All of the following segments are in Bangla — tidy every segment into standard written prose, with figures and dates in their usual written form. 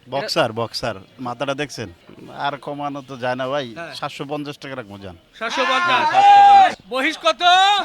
বক্সার বক্সার মাথাটা দেখছেন? আর কমানো তো যায় না ভাই, 750 টাকা রাখবো যান। 750 মহিষ কত?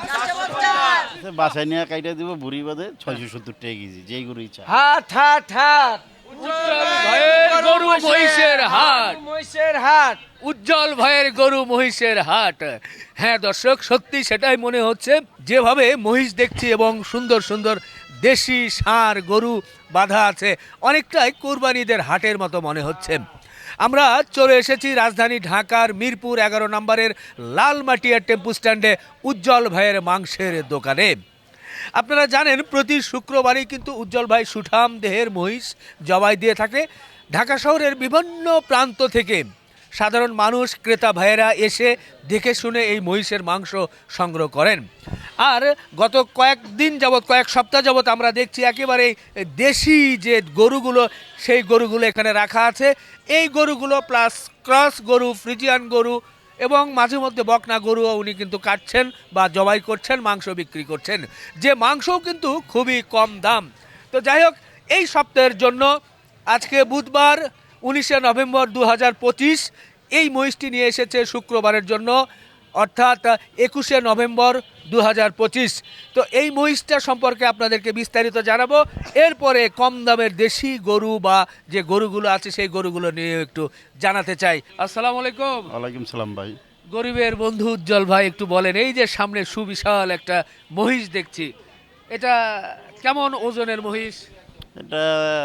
বাসায় নিয়ে কাইটা দিব বুড়ি বাদে 670 টাকা কেজি, যেই গরু ইচ্ছা। হাট হাট হাট উজ্জ্বল ভাইয়ের গরু মহিষের হাট। মহিষের হাট। উজ্জ্বল ভাইয়ের গরু মহিষের হাট। হ্যাঁ দর্শক, সত্যি সেটাই মনে হচ্ছে। যেভাবে মহিষ দেখছি এবং সুন্দর সুন্দর দেশি ষাঁড় গরু বাঁধা আছে, অনেকটাই কোরবানিদের হাটের মতো মনে হচ্ছে। আমরা চলে এসেছি রাজধানী ঢাকার মিরপুর 11 নম্বরের লালমাটিয়া টেম্পু স্ট্যান্ডে উজ্জ্বল ভাইয়ের মাংসের দোকানে। আপনারা জানেন প্রতি শুক্রবারই কিন্তু উজ্জ্বল ভাই সুঠাম দেহের মহিষ জবাই দিয়ে থাকে। ঢাকা শহরের বিভিন্ন প্রান্ত থেকে সাধারণ মানুষ ক্রেতা ভাইয়েরা এসে দেখে শুনে এই মহিষের মাংস সংগ্রহ করেন। আর গত কয়েকদিন যাবৎ, কয়েক সপ্তাহ যাবৎ আমরা দেখছি একেবারে দেশি যে গরুগুলো, সেই গরুগুলো এখানে রাখা আছে। এই গরুগুলো প্লাস ক্রস গরু, ফ্রিজিয়ান গরু এবং মাঝে মধ্যে বকনা গরুও উনি কিন্তু কাটছেন বা জবাই করছেন, মাংস বিক্রি করছেন, যে মাংসও কিন্তু খুবই কম দাম। তো যাই হোক, এই সপ্তাহের জন্য আজকে বুধবার 19শে নভেম্বর 2025 এই মহিষটি নিয়ে এসেছে শুক্রবারের জন্য, অর্থাৎ 21শে নভেম্বর 2025। তো এই মহিষটা সম্পর্কে আপনাদেরকে বিস্তারিত জানাবো। এরপরে কম দামের দেশি গরু বা যে গরুগুলো আছে সেই গরুগুলো নিয়ে একটু জানাতে চাই। আসসালামু আলাইকুম। ওয়ালাইকুম সালাম ভাই। গরিবের বন্ধু উজ্জ্বল ভাই, একটু বলেন, এই যে সামনে সুবিশাল একটা মহিষ দেখছি, এটা কেমন ওজনের মহিষ? এটা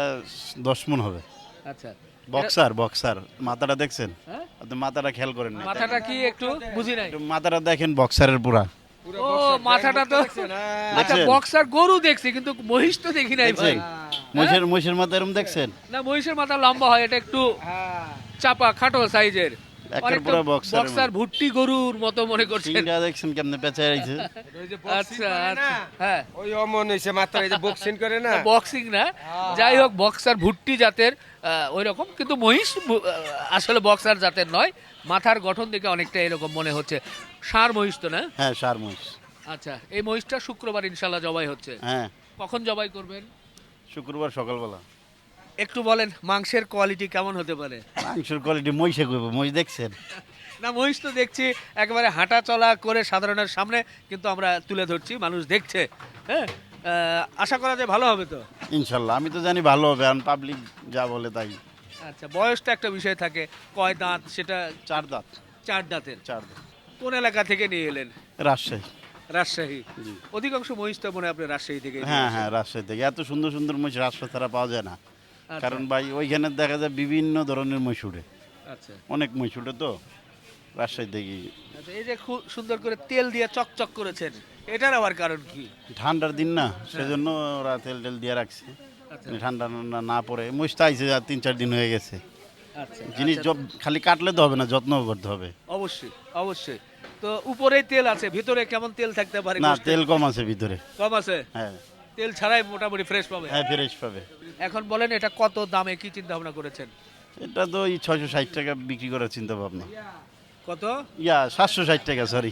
10 মণ হবে। আচ্ছা, বক্সার বক্সার মাথাটা দেখছেন? হ্যাঁ? আপনি মাথাটা খেয়াল করেন না? মাথাটা কি একটু বুঝি নাই। একটু মাথাটা দেখেন, বক্সারের পুরা। ও মাথাটা তো, আচ্ছা দেখছেন? বক্সার গরু দেখছি কিন্তু মহিষ তো দেখি নাই ভাই। দেখছেন? মহিষের মাথা এরকম দেখছেন? না, মহিষের মাথা লম্বা হয়, এটা একটু চাপা খাটো সাইজের। একের অনেকটা পুরা বক্সার। বক্সার ভুট্টি গরুর মতো মনে করছেন। সিংটা দেখছেন কেমনে পেঁচায় রইছে? আচ্ছা আচ্ছা, হ্যাঁ ওই অমন হইছে মাত্র এই যে বক্সিং করে না। বক্সিং না, যাই হোক বক্সার ভুট্টি জাতের ওই রকম, কিন্তু মহিষ আসলে বক্সার জাতের নয়। মাথার গঠন দেখে অনেকটা এরকম মনে হচ্ছে। ষাঁড় মহিষ তো না? হ্যাঁ, সার মহিষ। আচ্ছা, এই মহিষটা শুক্রবার ইনশাল্লাহ জবাই হচ্ছে। হ্যাঁ, কখন জবাই করবেন? শুক্রবার সকালবেলা। একটু বলেন মাংসের কোয়ালিটি কেমন হতে পারে? মাংসের কোয়ালিটি মহিষে কইব, মহিষ দেখছেন? না, মহিষ তো দেখছি একেবারে হাঁটা চলা করে সাধারণের সামনে কিন্তু আমরা তুলে ধরছি, মানুষ দেখছে। হ্যাঁ, আশা করা যায় ভালো হবে তো। ইনশাল্লাহ, আমি তো জানি ভালো হবে, আর পাবলিক যা বলে তাই। আচ্ছা, বয়সটা একটা বিষয় থাকে, কয় দাঁত সেটা? 4 দাঁত। 4 দাঁতের। 4 দাঁত। কোন এলাকা থেকে নিয়ে এলেন? রাজশাহী। রাজশাহী। জি। অধিকাংশ মহিষ তো মনে হয় আপনি রাজশাহী থেকে নিয়ে হ্যাঁ আসেন। হ্যাঁ, রাজশাহী থেকে। এত সুন্দর সুন্দর মহিষ রাজশাহী ছাড়া পাওয়া যায় না। আচ্ছা, কারণ ভাই ওইখানে দেখা যায় বিভিন্ন ধরনের মহিষ উঠে, আচ্ছা অনেক মহিষ উঠে, তো রাজশাহী থেকে। আচ্ছা, এই যে খুব সুন্দর করে তেল দিয়ে চকচক করেছেন, এটার আবার কারণ কি? ঠান্ডার দিন না, সেজন্য ওরা তেল টেল দিয়ে রাখছে। আচ্ছা ঠান্ডা না পড়ে। মহিষটা আইছে আর 3-4 দিন হয়ে গেছে। আচ্ছা জিনিস আচ্ছা, খালি কাটলে তো হবে না, যত্ন করতে হবে। অবশ্যই অবশ্যই। তো উপরেই তেল আছে, ভিতরে কেমন তেল থাকতে পারে? না, গোশতে? তেল কম আছে ভিতরে। কম আছে, হ্যাঁ তেল ছাড়াই মোটামুটি ফ্রেশ পাবে। হ্যাঁ, ফ্রেশ পাবে। এখন বলেন এটা কত দামে, কি চিন্তা ভাবনা করেছেন? এটা তো এই 660 টাকা বিক্রি করার চিন্তা ভাবনা। কত? 760 টাকা, সরি।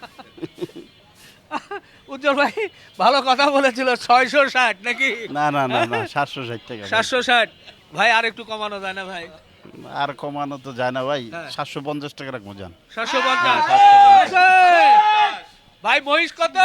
উজ্জ্বল ভাই ভালো কথা বলেছিল, 660 নাকি? না না না না, 760 টাকা। 760। ভাই আর একটু কমানো যায় না ভাই? আর কমানো তো যায় না ভাই, হ্যাঁ। 750 টাকা রাখবো যান। 750। ভাই মহিষ কত?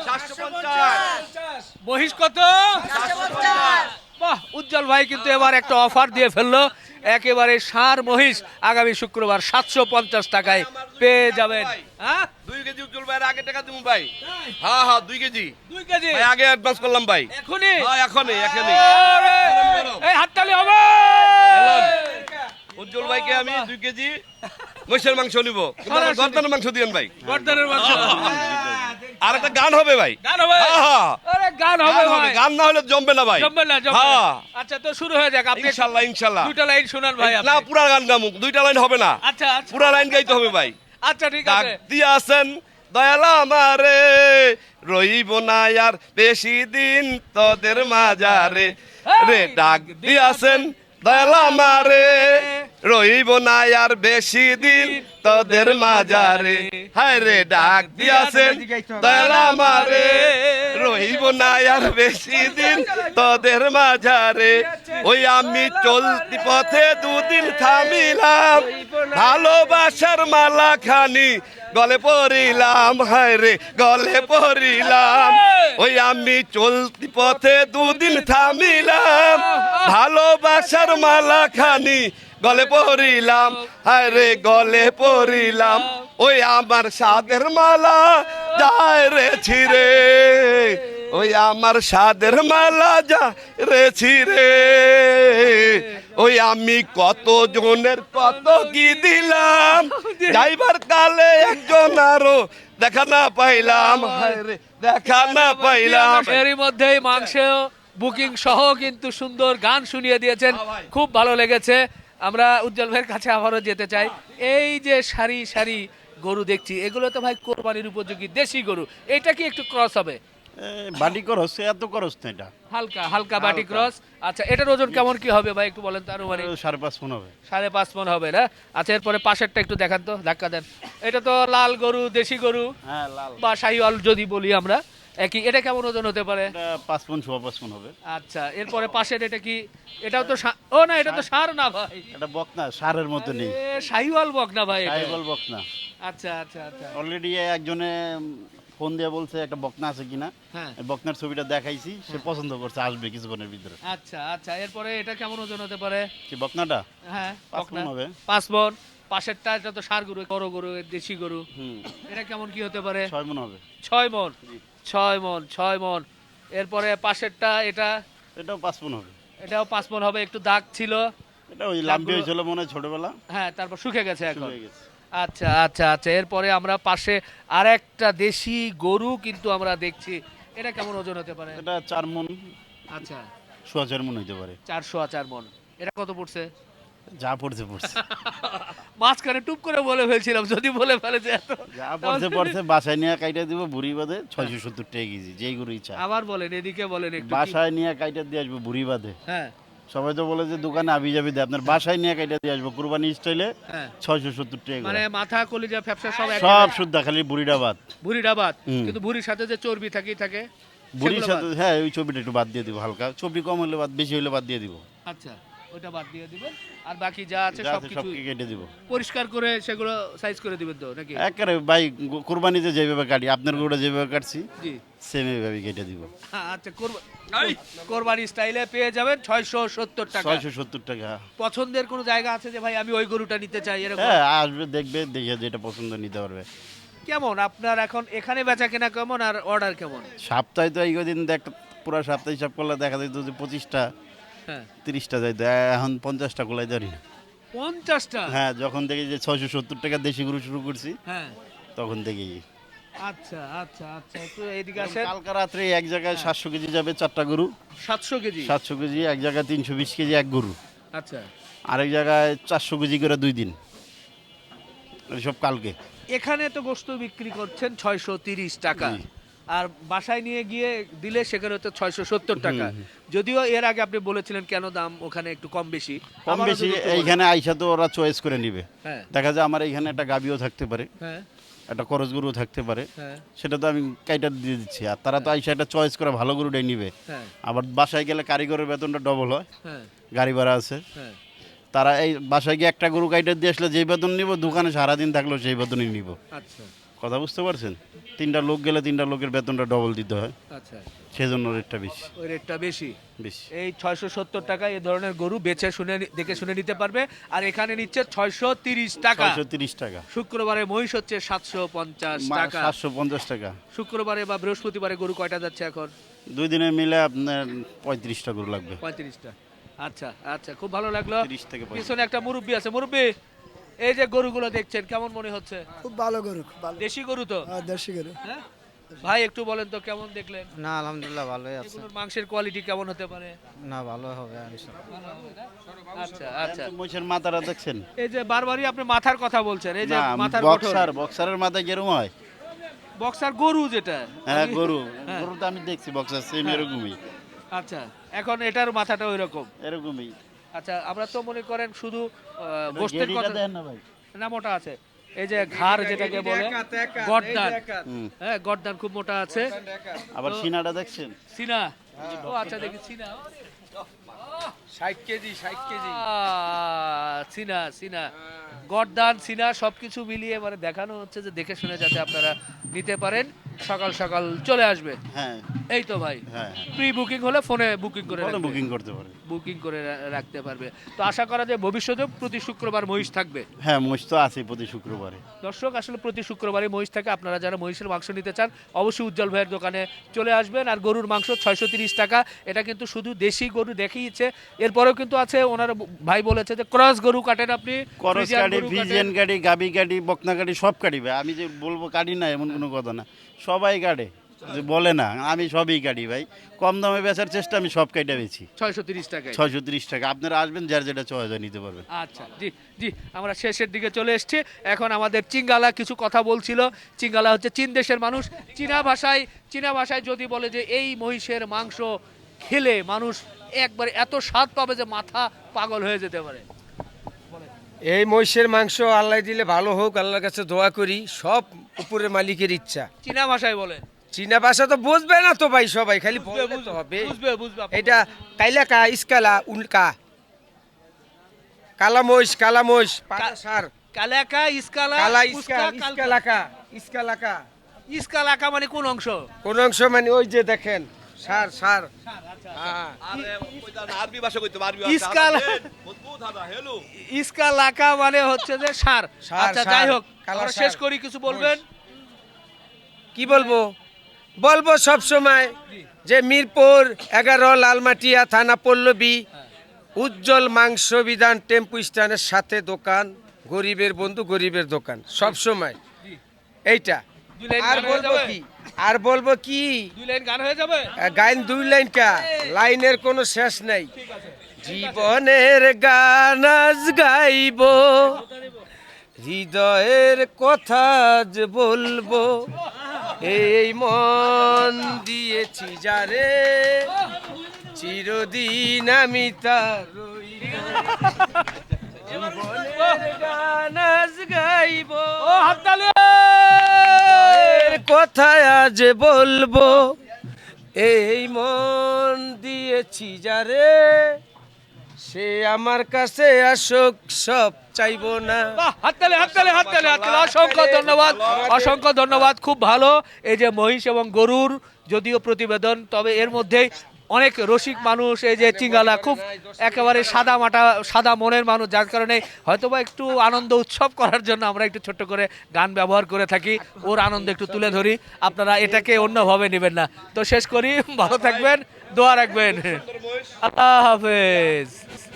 750। মহিষ কত? বাহ, উজ্জ্বল ভাই কিন্তু এবার একটা অফার দিয়ে ফেললো। একেবারে ষাঁড় মহিষ আগামী শুক্রবার 750 টাকায় পেয়ে যাবেন। হ্যাঁ 2 কেজি উজ্জ্বল ভাই আগে টাকা দিমু ভাই। হ্যাঁ হ্যাঁ 2 কেজি 2 কেজি ভাই আগে অ্যাডভান্স করলাম ভাই। এখনই? হ্যাঁ এখনই। আরে! এই হাততালি হবে। উজ্জ্বল ভাইকে আমি 2 কেজি মহিষের মাংস নিব, কিন্তু আমার সরাসরি। গর্দানের মাংস দিয়েন ভাই। গর্দানের মাংস। আর একটা গান হবে ভাই। গান হবে? হ্যাঁ, হ্যাঁ। আরে গান হবে ভাই। গান না হলে জমবে না ভাই। জমবে না, জমবে না। হ্যাঁ। আচ্ছা, তো শুরু হয়ে যাক। আপনি ইনশাআল্লাহ ইনশাআল্লাহ। দুটো লাইন শুনান ভাই আপনি। না, পুরা গান গামুক, 2টা লাইন হবে না। আচ্ছা আচ্ছা, পুরা লাইন গাইতে হবে ভাই। আচ্ছা ঠিক ডাক আছে। দিয়াছেন দয়াল আমারে, রইব না আর বেশি দিন তোদের মাজারে রে। ডাক দিয়াছেন দয়াল আমারে, রইব না আর বেশি দিন তোদের মাজারে, হায় রে ডাক দিয়াছেন দয়াল আমারে, রইব না আর বেশি দিন তোদের মাঝারে। ওই আমি চলতি পথে দুদিন থামিলাম, ভালোবাসার মালা খানি গলে পড়িলাম, হায় রে গলে পড়িলাম। ওই আমি চলতি পথে দুদিন থামিলাম, ভালোবাসার মালা খানি গলে পড়িলাম, হায় রে গলে পড়িলাম। ওই আমার সাদের মালা যায় রে ছিঁড়ে, ওই আমার সাদের মালা যায় রে ছিঁড়ে। ওই আমি কত জনের কত কি দিলাম, যাইবার কালে একজন আরো দেখা না পাইলাম, হায় রে দেখা না পাইলাম। এরই মধ্যেই মাংস বুকিং সহ কিন্তু সুন্দর গান শুনিয়ে দিয়েছেন, খুব ভালো লেগেছে। আমরা উজ্জ্বল ভাইয়ের কাছে আবারও যেতে চাই। এই যে সারি সারি গরু দেখছি, এগুলো তো ভাই কোরবানির উপযোগী দেশি গরু, এটা কি একটু ক্রস হবে? বাটি করস, এত করস না এটা, হালকা হালকা বাটি ক্রস। আচ্ছা, এটার ওজন কেমন কি হবে ভাই একটু বলেন তো আরো, মানে 5.5 মণ হবে। 5.5 মণ হবে না? আচ্ছা, এরপরে পাশেরটা একটু দেখান তো, ধাক্কা দেন। এটা তো লাল গরু, দেশি গরু হ্যাঁ লাল, বা শাহিওয়াল যদি বলি আমরা, একই। এটা কেমন ওজন হতে পারে? এটা 5 মণ 5.5 মণ হবে। আচ্ছা, এরপরে পাশের এটা কি? এটাও তো ও না, এটা তো ষাঁড় না ভাই, এটা বকনা, সারের মতো নেই, এ শাহিওয়াল বক না ভাই এটা। সাইবল বকনা। আচ্ছা আচ্ছা আচ্ছা, অলরেডি একজনে ফোন দিয়ে বলছে একটা বকনা আছে কিনা, হ্যাঁ এই বকনার ছবিটা দেখাইছি, সে পছন্দ করছে, আসবে কিছুক্ষণের ভিতরে। আচ্ছা আচ্ছা, এরপরে এটা কেমন ওজন হতে পারে? কি বকনাটা হ্যাঁ 5 বকনা। মণ হবে। 5 মণ। পাশেরটা এটা তো ষাঁড় গরু, বড় গরু, দেশি গরু, হুম, এটা কেমন কি হতে পারে? 6 মণ হবে। 6 মণ। 6 মণ, 6 মণ। এরপরে পাশেরটা এটা, এটাও 5 মণ হবে। এটাও 5 মণ হবে। একটু দাগ ছিল, এটা ওই লাম্বি হয়েছিল মনে হয় ছোটবেলা, হ্যাঁ, তারপর শুকে গেছে এখন। হয়ে গেছে। আচ্ছা আচ্ছা আচ্ছা, এরপরে আমরা পাশে আর একটা দেশি গরু কিন্তু আমরা দেখছি, এটা কেমন ওজন হতে পারে? এটা 4 মণ, আচ্ছা, 4.5 মণ হইতে পারে। 404 মণ। এটা কত পড়ছে? যা পড়ছে পড়ছে, মাঝখানে টুপ করে বলে ফেলছিলাম, যদি বলে ফেলে যে এত, যা পড়ছে পড়ছে। বাসায় নিয়ে কাইটা দিব বুড়ি বাদে 670 টাকা কেজি, যেই গরু ইচ্ছা। আবার বলেন, এদিকে বলেন একটু কি- বাসায় নিয়ে কাইটা দিয়ে আসবো বুড়ি বাদে। হ্যাঁ সবাই তো বলে যে দোকানে আবি যাবি দেয়, আপনার বাসায় নিয়ে কাইটা দিয়ে আসবো কুরবানি স্টাইলে হ্যাঁ, 670 টাকা মানে করে। মাথা কলিজা ফ্যাপসা সব এক সব জায়গায়। শুদ্ধ, খালি বুড়িটা বাদ। ভুঁড়িটা বাদ, হুম। কিন্তু ভুঁড়ির সাথে যে চর্বি থাকেই থাকে, বুড়ির সেগুলো সাথে হ্যাঁ ওই ছবিটা একটু বাদ দিয়ে দিব, হালকা ছবি কম হলে বাদ, বেশি হলে বাদ দিয়ে দিব। বাদ। আচ্ছা, ওটা বাদ দিয়ে দিবেন, আর বাকি যা আছে যা সব আছে কিছু সবকে কেটে দিব পরিষ্কার করে সেগুলো সাইজ করে দিবেন তো নাকি? একেবারে। ভাই কুরবানিতে যেভাবে কাটি, আপনার গরুটা যেভাবে কাটছি জি। সেম এইভাবে কেটে দিব। আচ্ছা, কোরবানি স্টাইলে পেয়ে যাবেন 670 টাকা। 670 টাকা। পছন্দের কোনো জায়গা আছে যে ভাই আমি ওই গরুটা নিতে চাই, এরকম? হ্যাঁ আসবে, দেখবে, দেখে যেটা পছন্দ নিতে পারবে। কেমন আপনার এখন এখানে বেচা কেনা কেমন, আর অর্ডার কেমন? সপ্তাহে তো এই দিন দেখ, পুরো সপ্তাহে হিসাব করলে দেখা যেত যে 25টা হ্যাঁ 30টা যাইতো, এখন 50টা গোলাই ধরি না। 50টা? হ্যাঁ, যখন দেখি যে 670 টাকা দেশি গরু শুরু করছি, হ্যাঁ, তখন দেখি। আচ্ছা আচ্ছা আচ্ছা, একটু এদিকে আসেন। কালকা রাত্রে এক জায়গায় 700 কেজি যাবে 4টা গরু, 700 কেজি? 700 কেজি এক জায়গায়, 320 কেজি এক গরু, আচ্ছা, আরেক জায়গায় 400 কেজি করে 2 দিন, সব কালকে। এখানে তো গোশত বিক্রি করছেন 630 টাকা, জি। আর বাসায় নিয়ে গিয়ে দিলে সেখানে হচ্ছে 670 টাকা। যদিও এর আগে আপনি বলেছিলেন কেন দাম ওখানে একটু কম বেশি, কম আবারও বেশি যদি একটু বলেন। এইখানে আইসা তো ওরা চয়েস করে নিবে। হ্যাঁ দেখা যায় আমার এইখানে একটা গাবিও থাকতে পারে, হ্যাঁ একটা করজ গরু থাকতে পারে, হ্যাঁ সেটা তো আমি কাইটা দিয়ে দিচ্ছি, আর তারা তো আইসা একটা চয়েস করে ভালো গরুটাই নিবে। হ্যাঁ আবার বাসায় গেলে কারিগরের বেতনটা ডবল হয়, হ্যাঁ গাড়ি ভাড়া আছে। হ্যাঁ। তারা এই বাসায় গিয়ে একটা গরু কাইটা দিয়ে আসলে যেই বেতন নিব, দোকানে সারাদিন থাকলেও সেই বেতনই নিব। আচ্ছা কথা বুঝতে পারছেন? 3টা লোক গেলে 3টা লোকের বেতনটা ডবল দিতে হয়, আচ্ছা, সেজন্য রেটটা বেশি ওই রেটটা বেশি। বেশি। এই 670 টাকা এই ধরনের গরু বেছে শুনে দেখে শুনে নিতে পারবে, আর এখানে নিচ্ছে 630 টাকা। 630 টাকা। শুক্রবারে মহিষ হচ্ছে 750 টাকা। 750 টাকা। শুক্রবারে বা বৃহস্পতিবারে গরু কয়টা যাচ্ছে এখন? 2 দিনে মিলে আপনার 35টা গরু লাগবে। 35টা। আচ্ছা আচ্ছা, খুব ভালো লাগলো। 30 থেকে 35। পিছনে একটা মুরব্বি আছে। মুরব্বি, এই যে গরুগুলো দেখছেন কেমন মনে হচ্ছে? খুব ভালো গরু, খুব ভালো। দেশি গরু তো? দেশি গরু। হ্যাঁ ভাই, একটু বলেন তো কেমন দেখলেন? না আলহামদুলিল্লাহ ভালোই আছে। এগুলোর মাংসের কোয়ালিটি কেমন হতে পারে? না ভালো হবে ইনশাআল্লাহ। ভালো হবে না? আচ্ছা আচ্ছা, মহিষের মাথাটা দেখছেন? এই যে বারবারই আপনি মাথার কথা বলছেন, এই যে না, মাথার বক্সারের মাথায় কেরম হয়? বক্সার গরু যেটা। হ্যাঁ গরু, হ্যাঁ। গরু তো আমি দেখছি বক্সার সেম এরকমই, আচ্ছা, এখন এটার মাথাটা ওই রকম। এরকমই। আচ্ছা আমরা তো মনে করেন শুধু গোশতের গেড়িটা কথা দেন না ভাই। না, মোটা আছে এই যে ঘাড় যেটাকে বলে গর্দান, হুম। হ্যাঁ গর্দান খুব মোটা আছে। আবার সিনাটা দেখছেন? সিনা, ও আচ্ছা দেখি সিনা, 60 কেজি সিনা সিনা গর্দান সিনা সবকিছু মিলিয়ে মানে দেখানো হচ্ছে যে দেখে শুনে যাতে আপনারা নিতে পারেন, সকাল সকাল চলে আসবে। হ্যাঁ এই তো ভাই, হ্যাঁ প্রি বুকিং হলে ফোনে বুকিং করে ফোনে রাখবে। বুকিং করতে পারে। বুকিং করে রাখতে পারবে। তো আশা করা যায় ভবিষ্যতে প্রতি শুক্রবার মহিষ থাকবে। হ্যাঁ মহিষ তো আছে প্রতি শুক্রবারে। দর্শক আসলে প্রতি শুক্রবারে মহিষ থাকে, আপনারা যারা মহিষের মাংস নিতে চান অবশ্যই উজ্জ্বল ভাইয়ের দোকানে চলে আসবেন। আর গরুর মাংস 630 টাকা, এটা কিন্তু শুধু দেশি গরু দেখিয়েছে, এরপরেও কিন্তু আছে ওনার ভাই বলেছে যে ক্রস গরু কাটেন আপনি, করস ফ্রিজিয়ান গাড়ি, গরু ভিজিয়ান কাটেন। গাড়ি, গাবি গাড়ি, বকনা গাড়ি সব কাটি ভাই। আমি যে বলবো কাটি না এমন কোনো কথা না, সবাই কাটে। যে বলে না আমি সবই কাটি ভাই, কম দামে বেচার চেষ্টা আমি সব কাইটা বেছি। 630 টাকায়। 630 টাকা, আপনারা আসবেন যার যেটা চয়েস নিতে পারবেন। আচ্ছা জি জি, আমরা শেষের দিকে চলে এসেছি। এখন আমাদের চিঙ্গালা কিছু কথা বলছিল। চিঙ্গালা হচ্ছে চীন দেশের মানুষ। চীনা ভাষায় যদি বলে যে এই মহিষের মাংস খেলে মানুষ একবার এত স্বাদ পাবে যে মাথা পাগল হয়ে যেতে পারে। এই মহিষের মাংস আল্লাহ দিলে ভালো হোক, আল্লাহর কাছে দোয়া করি, সব উপরের মালিকের ইচ্ছা। চীনা ভাষায় বলেন। চীনা ভাষা তো বুঝবে না তো ভাই, সবাই খালি বললে তো হবে। বুঝবে আপনি এটা কাইলাকা ইসকালা উল্কা কালা মহিষ সার কালাকা ইসকালা কালা উস্কা, ইসকালাকা ইসকালাকা ইসকালাকা মানে কোন অংশ? কোন অংশ মানে ওই যে দেখেন সার হ্যাঁ। আরবি ভাষা কইতে পারবি ইসকালা ইসকালাকা মানে হচ্ছে যে সার। সার, আচ্ছা সার, যাই হোক, কালা আমরা সার। শেষ করি, কিছু বলবেন? কি বলবো সব সময় যে মিরপুর 11 লালমাটিয়া থানা পল্লবী উজ্জ্বল মাংস বিধান টেম্পু স্ট্যান্ডের সাথে দোকান, গরিবের বন্ধু গরিবের দোকান সব সময় এইটা। দুই লাইন আর গান হয়ে বলবো যাবে? কি আর বলবো কি দুই লাইন গান হয়ে যাবে? গাইন 2 লাইন কা লাইনের কোনো শেষ নাই। জীবনের গান আজ গাইব, হৃদয়ের কথা যে বলবো, এই মন দিয়েছি যারে, চিরদিন আমি তার রইব। জীবনের গান আজ গাইব, ও হাততালি! এর কথা আজ বলবো, এই মন দিয়েছি যারে, সে আমার কাছে আসুক সব চাইবো না। বাহ, হাততালি! অসংখ্য ধন্যবাদ, খুব ভালো। এই যে মহিষ এবং গরুর যদিও প্রতিবেদন, তবে এর মধ্যেই অনেক রসিক মানুষ, এই যে চিঙ্গালা খুব একেবারে সাদা মনের মানুষ, যার কারণে হয়তোবা একটু আনন্দ উৎসব করার জন্য আমরা একটু ছোট্ট করে গান ব্যবহার করে থাকি, ওর আনন্দ একটু তুলে ধরি, আপনারা এটাকে অন্যভাবে নেবেন না। তো শেষ করি, ভালো থাকবেন, দোয়া রাখবেন, আল্লাহ হাফেজ।